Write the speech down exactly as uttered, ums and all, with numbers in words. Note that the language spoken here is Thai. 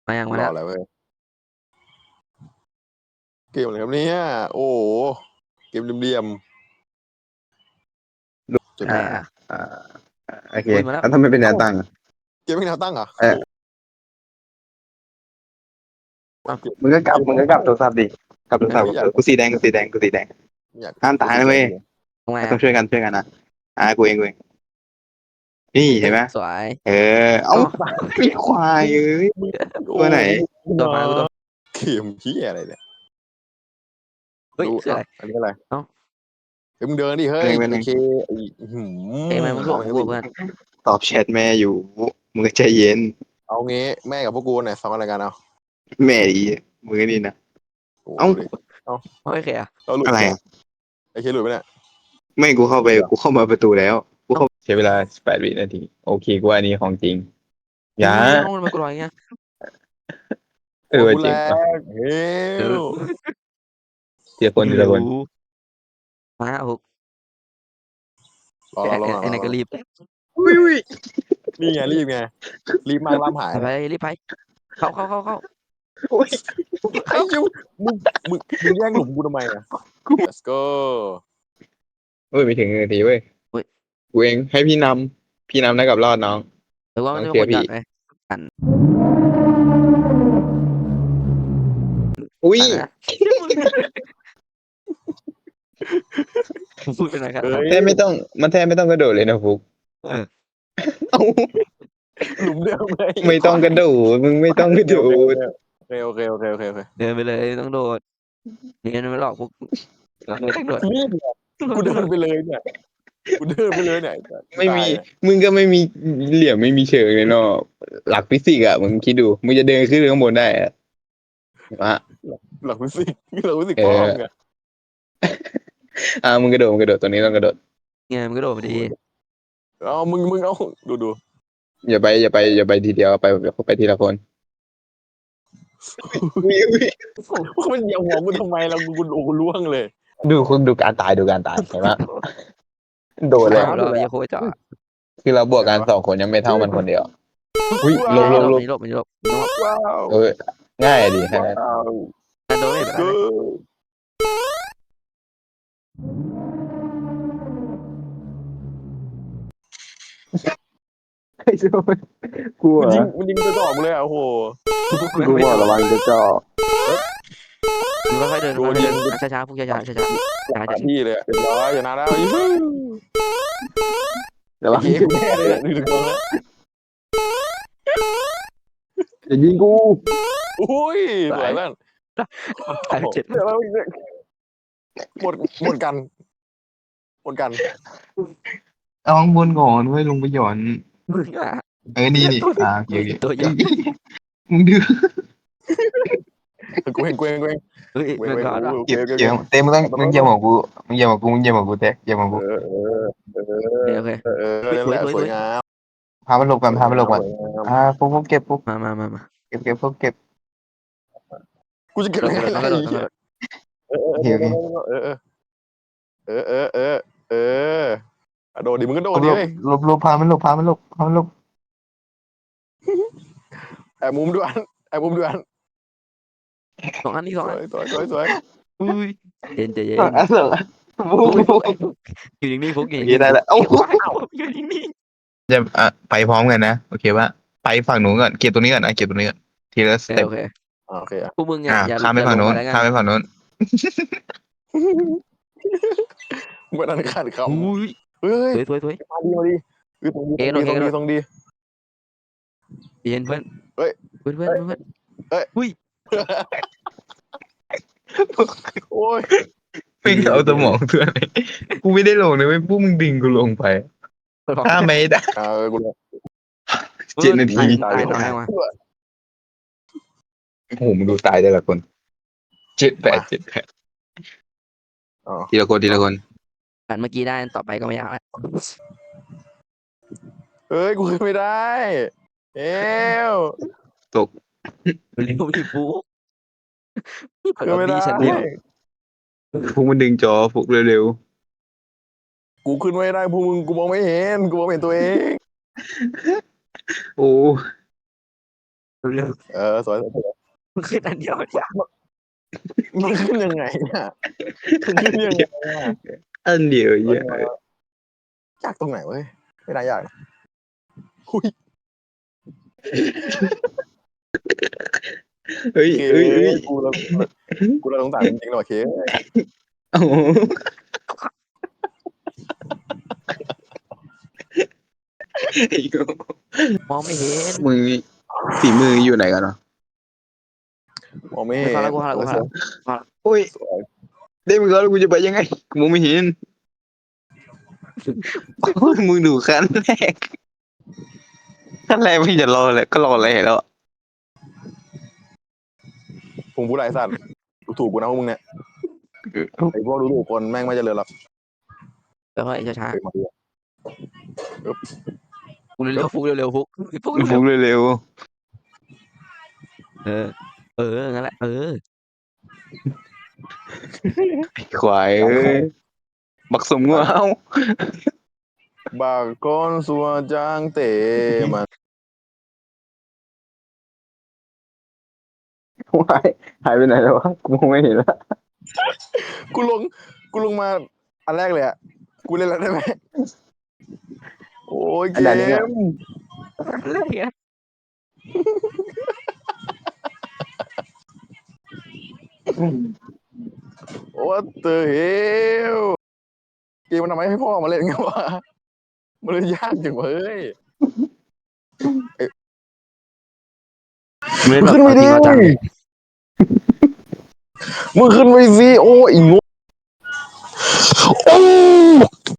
มายังมารอแล้วอะไรเว้ยเกมอะไรครับเนี่ยโอ้โหเกมเหลี่ยมๆจุดอะไหนไรอ่ะอ่าโอเคอุ้ยมาแล้วแล้วทำไมเป็นแนวตั้งอะเกมไม่แนวตั้งเหรอเออโอ้โหมึงก็กลับมึงก็กลับโทรศัพท์ดิกลับโทรศัพท์ไม่อยากกูสีแดงกูสีแดงกูสีแดงอยากห้ามตายนะเว้ยทำไงต้ออ่ะงช่วยกันช่วยกันนะอ่ากูเองกูเองนี่เห็นไหมสวยเออเอ้ามีควายเอ้ยตัวไหนตัวมากูตัวเกมเหียอะไรเนี่ยเฮ้ยดูคืออะไรอันนี้อะไรเอ้าเฮ้ยมึงเดินดิเฮ้ยเป็นไงโอเคไอ้หืมเอ้ยทำไมมึงถ่วงเอากูไงอะเพื่อนตอบแชทแม่อยู่มึงก็ใจเย็นเอางี้แม่กับพวกกูเนี่ยฟังอะไรกันเอาแม่ดีมึงก็นี่นะโอ้เอ้าดูดิโอเคอ่ะเราหลุดอะไรเนี่ยอะไอ้เคหลุดไปเนี่ยไม่กูเข้าไปกูเข้ามาประตูแล้วกูเข้าใช้เวลาแปดวินาทีโอเคกูว่าอันนี้ของจริงอย่าเอ้าทำไมกูลอยเงี้ยเออโอ้กูจริแรงว่ะเฮ้ยทีละคนทีละคนมาหกรอรอรอไอ้ไหนก็รีบอุ้ยอุ้ยนี่ไงรีบไงรีบมากล่ามหายไปรีบไปเข้าเข้าเข้าเข้าอุ้ยไอ้ยูมึงมึงมึงแย่งหลุมกูทำไมอ่ะ let's go เฮ้ยไม่ถึงนาทีเว้ยกูเองให้พี่นำพี่นำได้กับรอดน้องหรือว่ามันจะโอเป็นเคคนพี่จัดไหมกันอุ้ยนะพูดเป็นอะไรครับเฮ้ยแทบไม่ต้องมันแทบไม่ต้องกระโดดเลยนะฟุกเออเอ้าหลุมเดิมเลยไม่ต้องกระโดดมึงไม่ต้องกระโดดโอเคโอเคโอเคโอเคโอเคเดินไปเลยต้องโดดนี่มันไม่หลอกพวกเราไม่ต้องโดดรีบเนี่ยกูเดินไปเลยเนี่ยกูเดินไปเลยเนี่ยไม่มีมึงก็ไม่มีเหลี่ยมไม่มีเชิงเลยเนาะหลักฟิสิกส์อ่ะมึงคิดดูมึงจะเดินขึ้นข้างบนได้อะวะหลักฟิสิกส์หลักฟิสิกส์เอป้ออมไงอ่ามึงกระโดดมึงกระโดดตัวนี้ต้องกระโดดเนี่ยมันก็โดดพอดีเอามึงมึงเอาดูดูอย่าไปอย่าไปอย่าไปทีเดียวไปไปทีละคนอุ้ยอุ้ยมันเหยียบหัวกูทำไมเรากูโอ้กูล่วงเลยดูคุณดูการตายดูการตายเห็นไหมโดนแล้วเอาเราอย่าโคจ่อคือเราบวกกันสองคนยังไม่เท่ามันคนเดียวอุ้ยลบลบลบนี่หลบนี่หลบว้าวเออง่ายดีฮะว้าวแต่โดนไม่เป็นไรกูไอ้โจ้กลัวมันยิงมันยิงกระจอกเลยอ่ะโอ้โหกูบอกระวังจะจ่อมึงค่อยๆเดินค่อยๆเดินช้าๆพวกช้าๆช้าๆช้าหาที่เลยเรียบร้อยอย่านานแล้วอีกระวังเกมแน่เลยดูถึงตรงนั้นอย่ายิงกูอุ้ยสวยแล้วๆตายไปเจ็ดเดี๋ยวเราหมดหมดกันหมดกันเอาข้างบนก่อนเว้ยลงไปหย่อนมึงอ่ะเออนี่นี่อ่าโอเคโอเคตัวใหญ่มึงดื้อกูเห็นกูเห็นกูเห็นเฮ้ยเว้ยเงินเว้ยร้อนว่ะเก็บเก็บเต้มึงต้องมึงเยี่ยมของกูมึงเยี่ยมของกูมึงเยี่ยมของกูเต้เยี่ยมของกูเออเออเออโอเคเออเออนั่นแหละสวยงามพามันหลบกันพามันหลบกันอ่าพวกพวกเก็บพวกมามามามาเก็บเก็บพวกเก็บกูจะเก็บกระยังโดดไงต้องกระโดดต้องกระโดดเออเออเออเออเออเออเออโดดดิมึงก็โดดหลดิบหลบหลบพามันหลบพามันหลบพามันหลบแอบมุมด้วยแอบมุมด้วยสองอันนี้สองสอัวน ยสวยสวยสวยอุ้ยเย็นใจเย็นอ่ะเสร็จแล้วฟุกฟุกอยู่นิ่งๆฟุกอยู่โอนิ่งเคได้แล้วเอ้าๆอยู่นิ่งจะอ่ะไปพร้อมกันนะโอเคว่าไปฝั่งนู้นก่อนเก็บตรงนี้ก่อนอ่ะเก็บตรงนี้ก่อนทีละสๆเต็ปโอเคโอเคอ่ะพวกมึงอย่าอ่ะอย่าข้ามไปฝั่งนู้นแล้วกันข้ามไปฝั่งนู้นเมื่อนั้นขาดคอุ้ยำเฮ้ยสวยสวยสวยมาดีมาดีคือตรงดีตรงดีตรงดีตรงดีเย็นเพื่อนเฮ้ยเพื่อนเพื่อนเพื่อนโอ้ยไม่เอาสมองเพื่อนเลยกูไม่ได้ลงเลยเว้ยพวกมึงดึงกูลงไปข้ามไม่ได้เออกูเจ็ดนาทีตายตายมาโอ้โหมึงดูตายแต่ละคนเจ็ดแปดเจ็ดแปดทีละคนทีละคนผ่านเมื่อกี้ได้ต่อไปก็ไม่ยากแล้วเฮ้ยกูขึ้นไม่ได้เอวเร็วที่ฟุกขึ้นไม่ได้ฉันเดียวพวกมันดึงจอพวกเร็วกูขึ้นไม่ได้พวกมึงกูมองไม่เห็นกูมองไม่เห็นตัวเองๆโอ้เร็วเออสวยสวยๆมันขึ้นอันเดียวเนี่ยมันขึ้นยังไงเนี่ยมันขึ้นยังไงอะอันเดียวเยอะยากตรงไหนเว้ยไม่ได้ยากนะหุ้ยเฮ้ยเคเฮ้ยเฮ้ยกูเรากูเราสงสารจริงๆหรอเคโอ้โหไอ้โง่มองไม่เห็นมึงฝีมืออยู่ไหนกันเนาะมองไม่ไม่เห็นฟังแล้วกูฟังแล้วกูฟังแล้วโอ้ยสวยได้มึงแล้วกูจะไปยังไงกูมองไม่เห็นโอ้ยมึงดูขั้นแรกขั้นแรกไม่จะรอเลยก็รออะไรแล้วผมผู้ไรสัตว์ดูถูกกูนะพวกมึงเนี่ยไอ้พวกดูถูกคนแม่งไม่เจริญหรอกแล้วก็ไอ้ช้าเฮ้ยมาดีอะๆฟุกเร็วๆฟุกเร็วๆฟุกฟุกฟุเร็วกเร็วๆเออ เอองั้นแหละเออๆควายเอ้ยบักสมงูเอาบางคนสัวจางเตะมันวายหายไปไหนแล้ววะกูมองไม่เห็นแล้วกูลงกูลงมาอันแรกเลยอ่ะกูเล่นแล้วได้ไหมโอ้ยเกอันนี้เนี่ยมเรื่องเนี้ยโอ้เตอเฮลเกมมันทำไมให้พ่อมาเล่นกันวะมันเลยยากจังเว้ยไม่มึงได้แบบขึ้นเอาไม่จริได้งเอาจังมึงขึ้นไปสิโอ้ยอีโง่โอ้